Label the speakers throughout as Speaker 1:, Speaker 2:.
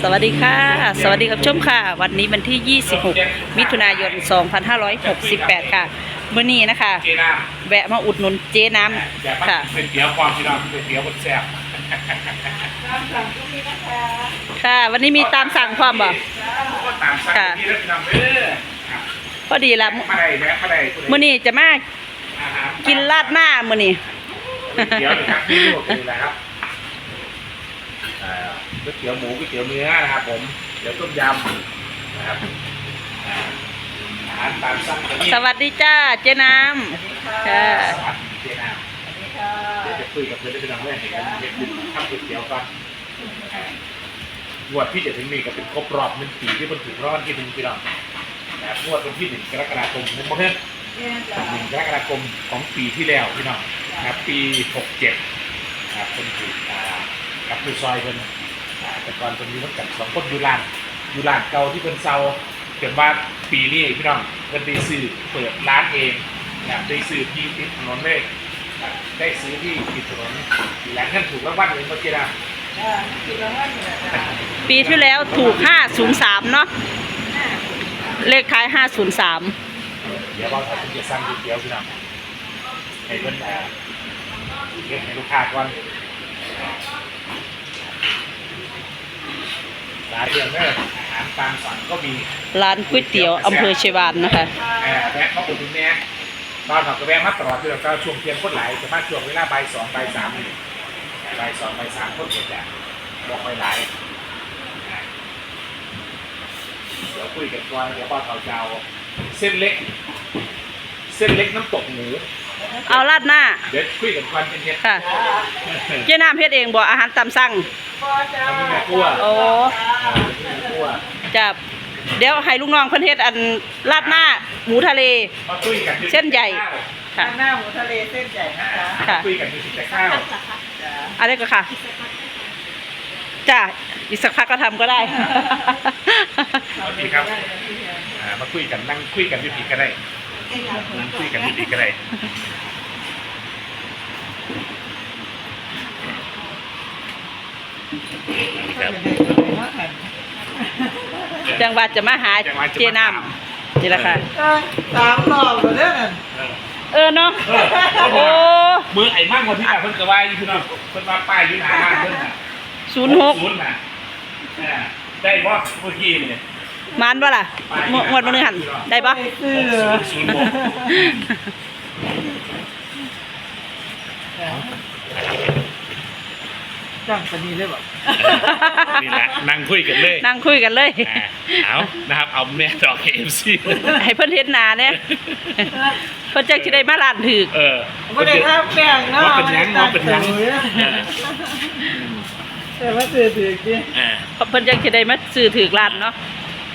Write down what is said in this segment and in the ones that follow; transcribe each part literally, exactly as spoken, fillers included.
Speaker 1: สวัสดีค่ะสวัสดีครับชมค่ะวันนี้วันที่ยี่สิบหกมิถุนายนสองพันห้าร้อยหกสิบแปดค่ะเมื่อนี้นะคะแวะมาอุดหนุนเจ๊น้ำค่ะ
Speaker 2: เป็นเตี๋ยวความที่เราเป็นเตี๋ยวบนแซ่บ
Speaker 1: ค่ะวันนี้มีตามสั่งความบ่
Speaker 2: ตามสั่งที่เราทำเด้อ
Speaker 1: พอดีละ
Speaker 2: มาได้แวะมาได้
Speaker 1: เมื่อนี้จะมากินราดหน้าเมื่อนี้
Speaker 2: เตี๋ยวนะครับนี่ลูกนี่แหละครับก๋วยเตี๋ยวหมูก๋วยเตี๋ยวเนื้อนะครับผมเดี๋ยวต้มยำนะครับอาหารตามสั่ง
Speaker 1: สวัสดีจ้าเจ๊น้ำค่ะ
Speaker 2: สวัสดีเจ๊น้ำเดี๋ยวจะคุยกับเพื่อนได้เป็นเรื่องเห็นกันเห็นคุณทำก๋วยเตี๋ยวก่อนงวดที่จะถึงนี้ก็เป็นครบรอบหนึ่งปีที่มันถึงร้อนที่หนึ่งพี่น้องนะครับงวดวันที่หนึ่งกรกฎาคมผมบอกให้หนึ่งกรกฎาคมของปีที่แล้วพี่น้องนะครับปีหกเจ็ดนะครับเป็นปีกับผู้ซอยเป็นแต่ก่อนเป็นมีทั้งกันสองคนยูรานยูรานเก่าที่เป็นเซาเกิดว่าปีนี้พี่น้องเป็นได้ซื้อเปิดร้านเองนะได้ซื้อที่ติดถนนเลยได้ซื้อที่ติดถนนหลังท่านถูกรางวัลเลยเมื่อกี้นะ
Speaker 1: ปีที่แล้วถูกห้าศูนย์สามเนาะเลขท้ายห้าศูนย์สาม
Speaker 2: เดี๋ยวเราจะสั่งก๋วยเตี๋ยวพี่น้องให้เพื่อนแต่เก็บให้ลูกค้าก่อนร้านเดียวเนี่ยอาหารตามสั่งก็มี
Speaker 1: ร้านก๋วยเตี๋ยวอำเภอเชียงวานนะคะ
Speaker 2: แวะมาอุดหนุนเนี่ยตอนเราก็แวะมาตลอดที่เราก็ช่วงเที่ยงคนไหลจะมาช่วงเวลาบ่ายสองบ่ายสามบ่ายสองบ่ายสามคนเดียวจะบอกไปไหลเดี๋ยวคุยกันก่อนเดี๋ยวป้าเขาเจ้าเส้นเล็กเส้นเล็กน้ำตกหมู
Speaker 1: เอาราดหน้า
Speaker 2: เดี๋ยวคุยกันก่อนเป็นเฮ็ด
Speaker 1: ค่ะเจ๊น้ำเฮ็ดเองบ่อาหารตามสั่งโอ้จะเดี๋ยวให้ลูกน้องเพิ่นเฮ็ดอันราดหน้าหมูทะเลเส้นใหญ่
Speaker 3: ค่ะหน้าหมูทะเลเส้นใหญ่นะคะ
Speaker 2: คุยกันที่จะข้าว
Speaker 1: อะไรก็ค่ะจ้าอีกสักพักก็ทำก็ได้
Speaker 2: สวัสดีครับมาคุยกันนั่งคุยกันที่ผีก็ได้นั่งคุยกันที่ผีก็ได้
Speaker 1: จังหวัดจะมาหาเจน้ำนี่แหละค่ะ
Speaker 3: สามรอบเลยเนี่ย
Speaker 1: เออเนาะโอ้
Speaker 2: มือไอ้มั่งคนที่แบบเพิ่นกระวายอยู่พี่น้องเพิ่นมาป้ายอยู่หน้าบ้านเพิ่นน่ะ
Speaker 1: ศูนย์หก
Speaker 2: ศูนย์น่ะได้บ่เมื่อกี้นี่
Speaker 1: มันบ่ล่ะหมดมื้อหันได้บ่
Speaker 2: ศูนย์หก
Speaker 3: จ้างปนีเลยบ่
Speaker 2: นี่แหละนั่งคุยกันเลย
Speaker 1: นั่งคุยกันเลย
Speaker 2: เอานะครับเอาแม่ดอก เค เอฟ ซี
Speaker 1: ให้เพิ่นเฮ็ดหน้าเนี่ยเพิ่นจักสิได้มาร้านถูก
Speaker 2: เออ
Speaker 3: บ่ได้ทาแป้งเนาะ
Speaker 2: ว่าเป็นยังว่าเป็นยัง
Speaker 3: แต่ว่าซื้อถูกดิ
Speaker 1: เออเพิ่นจักสิได้มาซื้อถูกร้านเนาะ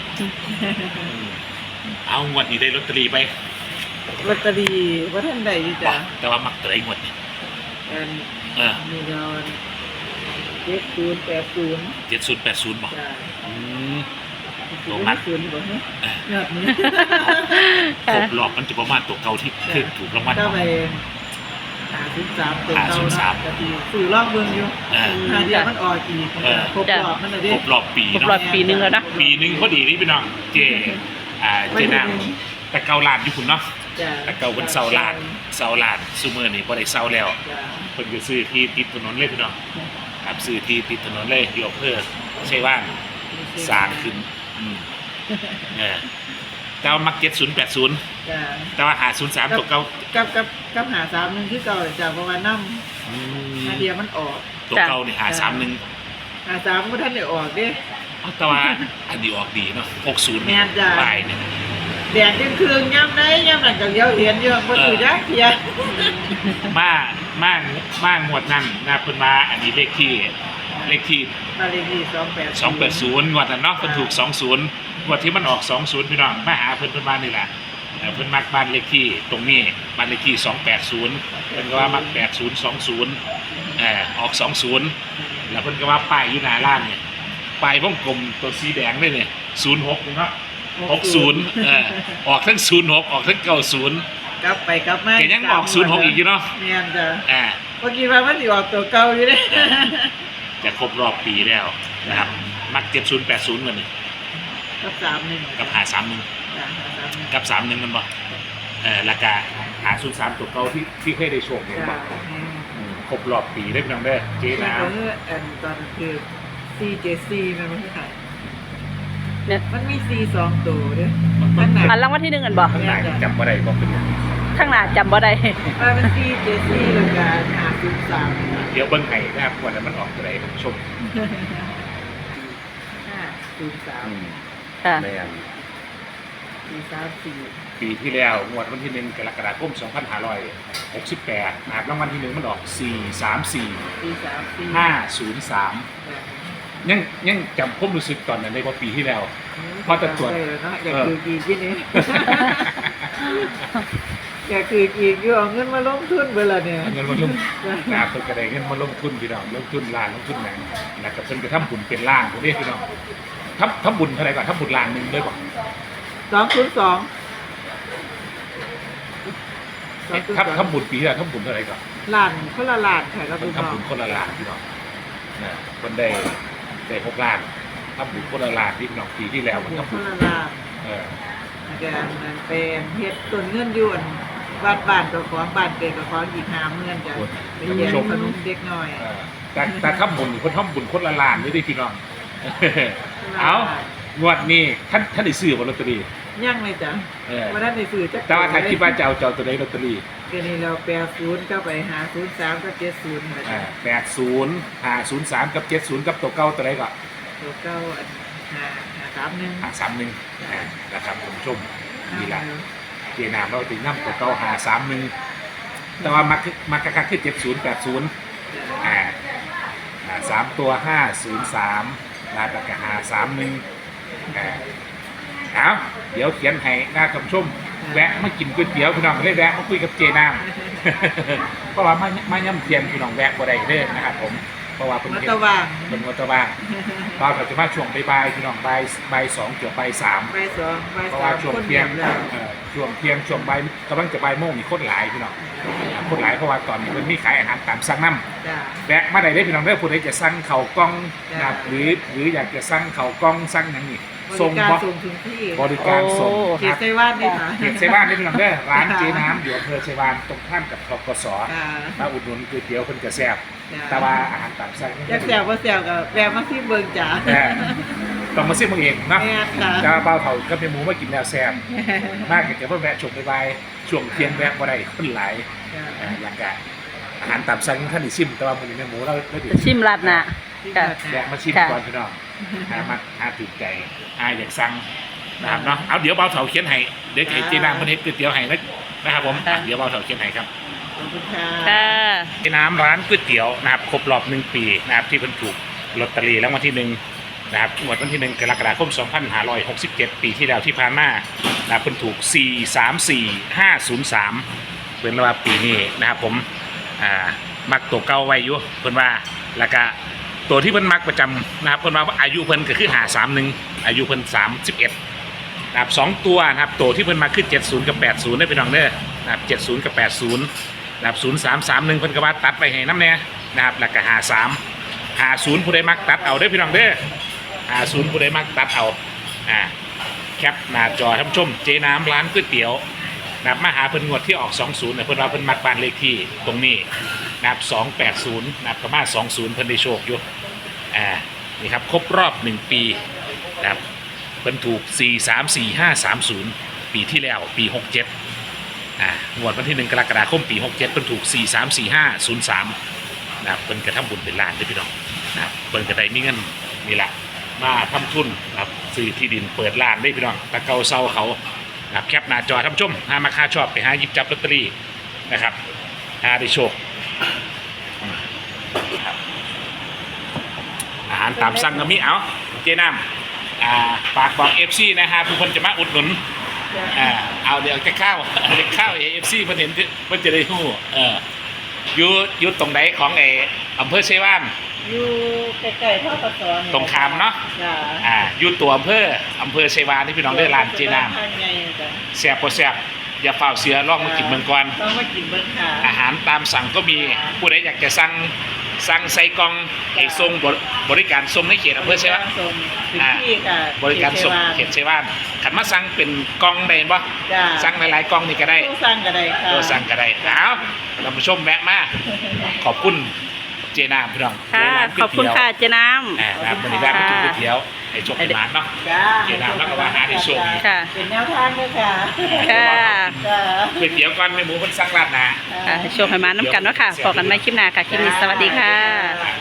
Speaker 2: เอางวดนี้ได้ลอตเตอรี่ไป
Speaker 3: ลอตเตอรี่บ่ทันได้อยู่จ้ะ
Speaker 2: แต่ว่ามักเตยงวดนี้
Speaker 3: อันเออมีเงินเจ็ดศูนย์แปดศูนย์
Speaker 2: เจ็ดศูนย์แปดศูนย์บอกอืม
Speaker 3: ตรงนั้นศูนย์บอกเนี่ยยอดนี้
Speaker 2: ครบรอบมันจะประมาณตัวเก่าที่เคยถูกรางวัล
Speaker 3: ก็ไปหาศูนย์สามตัวเก่านะจะตีสื่อรอบเมืองอยู่หาเดียวมันออกอีกครบรอบมันเลยดิ
Speaker 2: ครบรอบปี
Speaker 1: ครบรอบปีนึงแล้วนะ
Speaker 2: ปีนึงพอดีนี่พี่น้องเจอ่าเจน่าแต่เก่าลานอยู่คุณเนาะแต่เก่าบนเสาลานเสาลานซูเมอร์นี่พอได้เสาแล้วคนก็ซื้อที่ติดถนนเลยพี่น้องครับซื้อที่ติดถนนเลยยกเพื่อใช่ว่าสร้างขึ้นเนี่ยแต่ว่ามักเจ็ดศูนย์แปดศูนย์แต่ว่าหาศูนย์สามตัวเก่า
Speaker 3: กับกับกับหาสามหนึ่งที่เก่าจากประมาณน้ำหาเดียวมันออก
Speaker 2: ตัวเก่าเนี่ยหาสามหนึ่ง
Speaker 3: หาสามก็ท่านได้ออกดิ
Speaker 2: แต่ว่าอันดีออกดีเนาะหกศูนย์ปลายเนี่ย
Speaker 3: แดดยังคืนย่ำได้ย่ำหลังจากเดียวเห็นเยอะคนอื่นได้เพีย
Speaker 2: มามามาหมวดนั่นนะเพิ่นมาอันนี้เลขที่เลขที่
Speaker 3: เลขที่สองแปด
Speaker 2: สองแปดศูนย์งวดนั้นเนาะเพิ่นถูกสองศูนย์งวดที่มันออกสองศูนย์พี่น้องมาหาเพิ่นเพิ่นมานี่แหละเพิ่นมักบ้านเลขที่ตรงนี้บ้านเลขที่สองแปดศูนย์เพิ่นก็ว่ามักแปดศูนย์สองศูนย์เอ่อออกสองศูนย์แล้วเพิ่นก็ว่าป้ายอยู่หน้าร้านเนี่ยป้ายวงกลมตัวสีแดงเลยเนี่ยศูนย์หกเนาะหกศูนย์เออออกทั้งศูนย์หกออกทั้งเก้าศูนย์
Speaker 3: กลับไปกลับมา
Speaker 2: แกยังออกศูนย์หกอีกอยู่เนาะ
Speaker 3: เนี่ยจ้ะ
Speaker 2: อ่า
Speaker 3: เมื่อกี้ว่ามันสิออกตัวเก่าอยู่เด้
Speaker 2: จะครบรอบปีแล้วนะครับมักเจ็ดศูนย์แปดศูนย์กันนี่
Speaker 3: กับสามหนึ่ง
Speaker 2: กับหาสามหนึ่ง
Speaker 3: จ้ะหาสามหนึ่ง
Speaker 2: กับสามหนึ่งมันบ่เออราคาหาศูนย์สามตัวเก่าที่ที่เคยได้โชคเนี่ย
Speaker 3: จ้ะ
Speaker 2: บ่อืมครบรอบปีได้พี่น้องเด้อเจ๊
Speaker 3: แล้ว
Speaker 2: น้
Speaker 3: ก็คืออันตอนคือ ซี เจ ซี มันมันคือไง
Speaker 1: เนี่ย
Speaker 3: มันมี ซี สองตัวเด้อ
Speaker 2: ำ
Speaker 3: ข้างหน้า
Speaker 1: อันรางวัลที่หนึ่งกันบ่
Speaker 2: ข้างหน้าจำบ่ได้บ่เป็นหยัง
Speaker 1: ข้างหน้าจำบ่ได้
Speaker 3: ว่าเป็น ซี เจ ซี แล้วก็หาศูนย์สาม
Speaker 2: เดี๋ยวเบิ่งให้นะครับวันนั้นมันออกตัวใดผมชม
Speaker 3: ห้าศูนย์สาม
Speaker 1: ค่ะ
Speaker 2: แม่น
Speaker 3: สี่สามสี่
Speaker 2: ปีที่แล้วงวดวันที่หนึ่งกรกฎาคมสองพันห้าร้อยหกสิบแปดนะครับรางวัลที่หนึ่งมันออกสี่สามสี่
Speaker 3: สี่สามสี่
Speaker 2: ห้าศูนย์สามยังยังจำความรู้สึกตอนนั้นได้ว่าปีที่แล้ว พอจะตรวจ
Speaker 3: ได้แล้วเนาะอยากคืออีกที่นี้ อยากคืออีกอยู่เอาเงินมาลงทุนเวลาเนี่ย
Speaker 2: เอาเงินมาลงนะครับเพิ่นก็ได้เงินมาลงทุนพี่น้องลงทุนล้านลงทุนหนังนะครับเพิ่นก็ทำบุญเป็นล้านพวกนี้พี่น้องทำทำบุญเท่าไหร่ก่อนทำบุญล้านหนึ่งเลยบ่
Speaker 3: สองศูนย์สองสองศูนย์สอง
Speaker 2: ทำทำบุญปีที่แล้วทำบุญเท่าไหร่ก่อน
Speaker 3: ล้านคนละล้านค่ะเรา
Speaker 2: เพิ่
Speaker 3: ดู
Speaker 2: น
Speaker 3: น้อ
Speaker 2: ทำบุ
Speaker 3: ง
Speaker 2: ญคนละล้านพี่น้องนะเพิ่นได้ได้หกล้านทำบุญคนละล้านพี่น้องปีที่แล้วมัน
Speaker 3: ค
Speaker 2: ทำบุ
Speaker 3: น
Speaker 2: ญ
Speaker 3: ละล้าน
Speaker 2: เออ
Speaker 3: อาจารย์นั่นเป็นเฮ็ดต้นเงินอยวนบ้านบ้านกับของบ้านเกิดกับของอีกห้าเมื่อนจ้ะไปเรียนขนมเด็กน้อย
Speaker 2: เออแต่แต่ทำบุญนี่เพิ่นทำบุญคนละล้านเลยเด้อพี่น้อง เอางวดนี้ท่านท่านได้ซื้อบ่ลอตเตอรี่
Speaker 3: ย่างเลยจ้ะ
Speaker 2: เออ
Speaker 3: วันนั้นในสื่อจัก
Speaker 2: แต่ว่าถ้าคิดว่าจะเอาเจ้าตัวใดลอตเตอรี่
Speaker 3: เดี๋ยวนี้เราแปดศูนย์ก็ไปหาศูนย์สามก็เจ็ดศูนย์นะ
Speaker 2: อ่า
Speaker 3: จ๊ะ
Speaker 2: แปดศูนย์ห้าศูนย์สามกับเจ็ดศูนย์กับตัวเก้าตัวใดก็
Speaker 3: ตัวเก้าอันหาหาสามหนึ่ง
Speaker 2: ห้าสามหนึ่งนะครับคุณผู้ชมนี่แหละเจนามเราติดน้ำตัวเก้าห้าสามหนึ่งแต่ว่ามักมักกะคักคือเจ็ดศูนย์แปดศูนย์อ่าอ่าสามตัวห้าศูนย์สามลายปากกาห้าสามหนึ่งอ่าเอาเดี๋ยวเขียนให้หน้าคุณผู้ชมแวะมากินก๋วยเตี๋ยวพี่น้องเลยแวะมาคุยกับเจนาม เพราะว่ามามาย่ำเทียนพี่น้องแวะบ่ได้เด้อนะครับผมเพราะว่าเป็น
Speaker 3: มัต
Speaker 2: เฮ็ด
Speaker 3: ตะว่าง
Speaker 2: เป็นวัตว่างเราก็จะมาช่วงบ่ายๆพี่น้องบ่ายบ่ายสองเกือบบ่ายสาม
Speaker 3: ใบสองใบ
Speaker 2: เพราะ
Speaker 3: สา
Speaker 2: ว่าม ช่วง
Speaker 3: คน
Speaker 2: เที่
Speaker 3: เดี
Speaker 2: ย
Speaker 3: ย
Speaker 2: ง
Speaker 3: วแล้ว
Speaker 2: เอ่อช่วงเที่ยงช่วงบ่ายกำลังจะบ่ายโมงมีคนหลายพี่น้องอ่าคนหลายเพราะว่าตอนนี้มันมีขายอาหารตามสั่งน้ำ
Speaker 3: จ้ะ
Speaker 2: แวะมาได้เลยพี่น้องเด้อผู้ใดจะสั่งข้าวกล้อง
Speaker 3: จ้ะ
Speaker 2: นะครับหรือหรืออยากจะสั่งข้าวกล้องสั่งหยังนี่
Speaker 3: บ
Speaker 2: ส่ง
Speaker 3: ริการ
Speaker 2: บ่
Speaker 3: ส่งถึงที่
Speaker 2: บริการส่ง
Speaker 1: โอ้
Speaker 3: เข
Speaker 2: ค
Speaker 3: ต
Speaker 2: รับ
Speaker 3: ไซว่านนี่ค่ะ
Speaker 2: เขตเซบ้านนี่พี่น้องเด้อร้านเจน้ำอยู่อำเภอเซวานตรงข้ามกับทกส
Speaker 3: อ่า
Speaker 2: มาอุดหนุนก๋วยเตี๋ยวเพิ่นก็แซ่บ
Speaker 3: จ้ะ
Speaker 2: แต่ว่าอาหารตามสั่ง
Speaker 3: อยากแซวก็แซวกับแวะมาที่เบิงจ๋า
Speaker 2: แต่ต้องมาซิมมึงเองเนาะ
Speaker 3: แม่ค่ะ
Speaker 2: จะเบาเผาก็เป็นหมูมากินแล้วแซ่บมากเกิดว่าแวะชมไปบายช่วงเที่ยงแวะบ่ได้คนหลาย
Speaker 3: จ้ะ
Speaker 2: อ่าหลังจากอาหารตามสั่งท่านได้ชิมแต่ว่ามื้อนี้แม่หมูเราเรา
Speaker 1: จะชิมลาดหน้า ค่ะ
Speaker 2: แวะมาชิม
Speaker 1: ค่ะ
Speaker 2: ก่อนพี่น้องหามาหาถูกใจหาอยากสั่งนะครับเนาะเอาเดี๋ยวเบาเถาเขียนให้เดี๋ยวให้เจ๊น้ำเพิ่นเฮ็ดก๋วยเตี๋ยวให้นะนะครับผมอ่ะเดี๋ยวเบาเถาเขียนให้ครับ
Speaker 3: ขอบคุณค่ะ
Speaker 1: ค่ะ
Speaker 2: เจ๊น้ำร้านก๋วยเตี๋ยวนะครับครบรอบหนึ่งปีนะครับที่เพิ่นถูกลอตเตอรี่รางวัลที่หนึ่งนะครับงวดวันที่หนึ่งกรกฎาคมสองพันห้าร้อยหกสิบเจ็ดปีที่แล้วที่ผ่านมานะครับเพิ่นถูกสี่สามสี่ห้าศูนย์สามเพิ่นว่าปีนี้นะครับผมอ่ามักตัวเก่าไว้อยู่เพิ่นว่าแล้วก็ตัวที่เพิ่นมักประจำนะครับเพิ่นว่าอายุเพิ่นก็คือหาสามหนึ่งอายุเพิ่นสามสิบเอ็ดนะครับสองตัวนะครับตัวที่เพิ่นมาคือเจ็ดศูนย์กับแปดศูนย์ได้พี่น้องเด้อนะครับเจ็ดศูนย์กับแปดศูนย์นะครับศูนย์สามสามหนึ่งเพิ่นก็ว่าตัดไปให้น้ำแน่นะครับแล้วก็หาสามหาศูนย์ผู้ใดมักตัดเอาได้อพี่น้องเด้อหาศูนย์ผู้ใดมักตัดเอาอ่าแคปหน้าจอท่านผู้ชมเจน้ำร้านก๋วยเตี๋ยวนะครับมาหาเพิ่นงวดที่ออกสองศูนย์เนี่ยเพิ่นว่าเพิ่นมักบ้านเลขที่ตรงนี้นะครับสองแปดศูนย์นะครับก็มาสองศูนย์เพิ่นได้โชคอยู่อ่านี่ครับครบรอบหนึ่งปีนะครับเพิ่นถูกสี่สามสี่ห้าสามศูนย์ปีที่แล้วปีหกเจ็ดอ่างวดวันที่หนึ่งกรกฎาคมปีหกเจ็ดเพิ่นถูกสี่สามสี่ห้าศูนย์สามนะครับเพิ่นกระทำบุญเป็นล้านเด้อพี่น้องนะครับเพิ่นก็ได้มีเงินนี่แหละมาทำทุนนะครับซื้อที่ดินเปิดร้านได้อพี่น้องตะเกาเซาเขานะครับแคปหน้าจอท่านผู้ชมหามาค่าชอบไปหาหยิบจับลอตเตอรี่นะครับหาได้โชคอืมครับอาหารตามสั่งก็มีเอาเจน้ำอ่าฝากบอกเอฟซีนะฮะผู้คนจะมาอุดหนุนอ่าเอาเดี๋ยวจะข้าวเอาเดี๋ยวข้าวเอฟซีเพิ่นเห็นเพิ่นจะได้ฮู้เอออยู่อยู่ตรงไหนของไอ้อำเภอเชยวาน
Speaker 3: อยู่ใกล้ๆท่อปะสอน
Speaker 2: ตรงขามเนาะ
Speaker 3: จ้ะ
Speaker 2: อ่าอยู่ตัวอำเภออำเภอเชยวานที่พี่น้องได้ร้านเจน้
Speaker 3: ทางไงจ้ะ
Speaker 2: ำแซ่บบ่แซ่บอย่าเฝ้าเสือลองมากินเมืองก่อน
Speaker 3: ต้องมากินเบิ้งค่ะ
Speaker 2: อาหารตามสั่งก็มีผู้ใดอยากจะสั่งสั่งใส่กล่องไอ้ทรงบริการส่งในเขตอำเภอใช่ไหม
Speaker 3: ส่งถึงที่ค่ะ
Speaker 2: บริการส่งเขตเชวานขันมาสั่งเป็นกล่องได้ปะ
Speaker 3: จ้า
Speaker 2: สั่งหลายๆกล่องนี่ก็ได้
Speaker 3: ต้องสั่งก็ได้ค่ะ
Speaker 2: ตัวสั่งก็ได้เอาเรามาชมแวะมาขอบคุณเจนามพี่น้อง
Speaker 1: ค่ะ
Speaker 2: ร้าน
Speaker 1: ขอบคุณค่ะเจ๊น้
Speaker 2: อ่าร้านบริการไม่ถูกก๋วยเตี๋ยวไอ้โชคไอ้หมานเนาะ
Speaker 3: จ้า
Speaker 2: เจนามแล้วก็ว่าหาได้โชคดี
Speaker 1: ำค่ะ
Speaker 3: เป็นแนวทางด้วยค่ะ
Speaker 1: ค่ะ
Speaker 3: จ้า
Speaker 2: ก๋วยเตี๋ยวก่อนไม่หมูคนสั่งราดหนา
Speaker 1: ค่ะโชว์ให้มาน้ำกันเนาะค่ะพอกันไม่คลิปหน้าค่ะคลิปนี้สวัสดีค่ะ